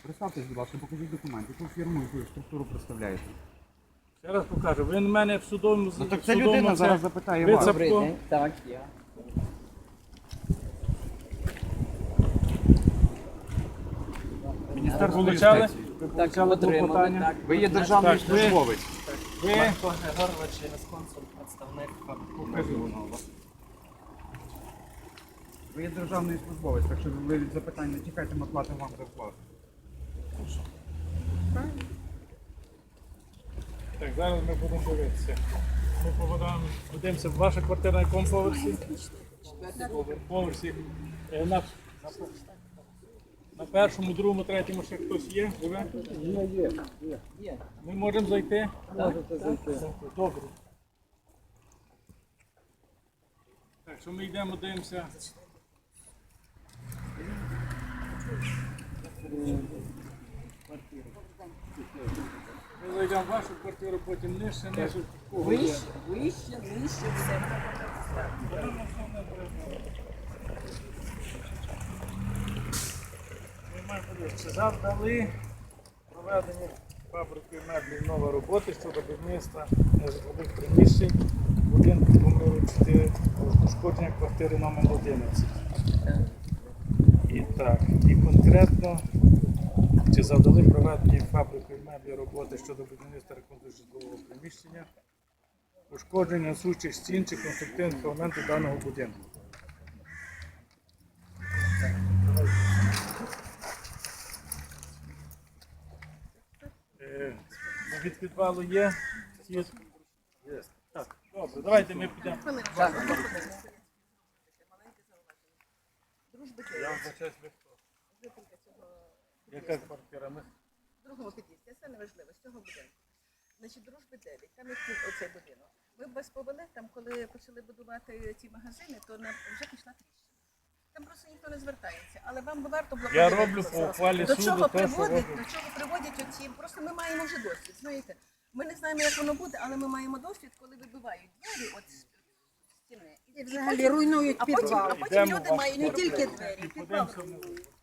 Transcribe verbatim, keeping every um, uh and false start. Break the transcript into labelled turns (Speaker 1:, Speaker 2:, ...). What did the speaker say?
Speaker 1: Представтесь, будь ласка, покажіть документи, яку фірму, яку структуру представляєте.
Speaker 2: Ще раз покажу. Ви на мене в судовому...
Speaker 1: Ну так
Speaker 2: в
Speaker 1: ця
Speaker 2: судовому
Speaker 1: людина
Speaker 2: це-
Speaker 1: зараз запитає
Speaker 2: ви
Speaker 1: вас.
Speaker 2: це-
Speaker 3: Добрий день. Так, я.
Speaker 1: Міністерство
Speaker 2: Получали?
Speaker 1: юстиції.
Speaker 2: Ви
Speaker 3: Так,
Speaker 2: получали
Speaker 3: отримали,
Speaker 2: клопотання?
Speaker 3: так.
Speaker 1: Ви є державний
Speaker 2: Так, ви-
Speaker 1: службовець.
Speaker 2: Ви...
Speaker 3: Марко Григорович, юрисконсульт, представник.
Speaker 2: Покажи воно у вас.
Speaker 1: Ви є державний службовець, так що ви від запитань не тікайте, ми платимо вам зарплату.
Speaker 2: Так, зараз ми будемо дивитися. Ми поводаємо, подивимося, ваша квартира на якому поверсі? Поверсі. Е, На, на першому, другому, третьому ще хтось є? Живе?
Speaker 3: Є, є.
Speaker 2: Ми можемо зайти?
Speaker 3: Можете зайти.
Speaker 2: Добре. Так, що ми йдемо, дивимося. Ми зайдемо в вашу квартиру, потім нижче, нижче.
Speaker 3: Вище, вище, нижче, все.
Speaker 2: Ми маємо подивитися, чи завдали проведення фабрики меблів нова роботи щодо будівництва нежитлових приміщень будинку номер чотири, пошкодження квартири номер одинадцять. І так, і конкретно, чи завдали проведення фабрикою меблів роботи щодо будівництва реконструкції житлового приміщення, пошкодження сучих стін чи конструктивних елементів даного будинку. Е, Від підвалу є? Є. Так, добре, давайте ми підемо. Я вибачаюсь, ви хто? Яка квартира? Ми...
Speaker 4: В другому під'їзді, це неважливо, з цього будинку. Значить, дружби дев'ять, там є оцей будинок. Ми б вас повели, там, коли почали будувати ці магазини, то нам вже пішла тріщина. Там просто ніхто не звертається, але вам би варто було
Speaker 2: Я
Speaker 4: подивитися.
Speaker 2: роблю по ухвалі
Speaker 4: До
Speaker 2: суду
Speaker 4: чого
Speaker 2: те, що
Speaker 4: приводить,
Speaker 2: роблю.
Speaker 4: до чого приводять оці, просто ми маємо вже досвід, знаєте. Ми не знаємо, як воно буде, але ми маємо досвід, коли вибивають двері от з стіни.
Speaker 5: І взагалі руйнують
Speaker 4: А потім,
Speaker 5: підвал.
Speaker 4: а потім
Speaker 2: Йдемо
Speaker 4: люди
Speaker 2: в
Speaker 4: мають
Speaker 5: Не
Speaker 4: робити.
Speaker 5: тільки двері, підвал
Speaker 2: Подивимося.
Speaker 5: руйнують.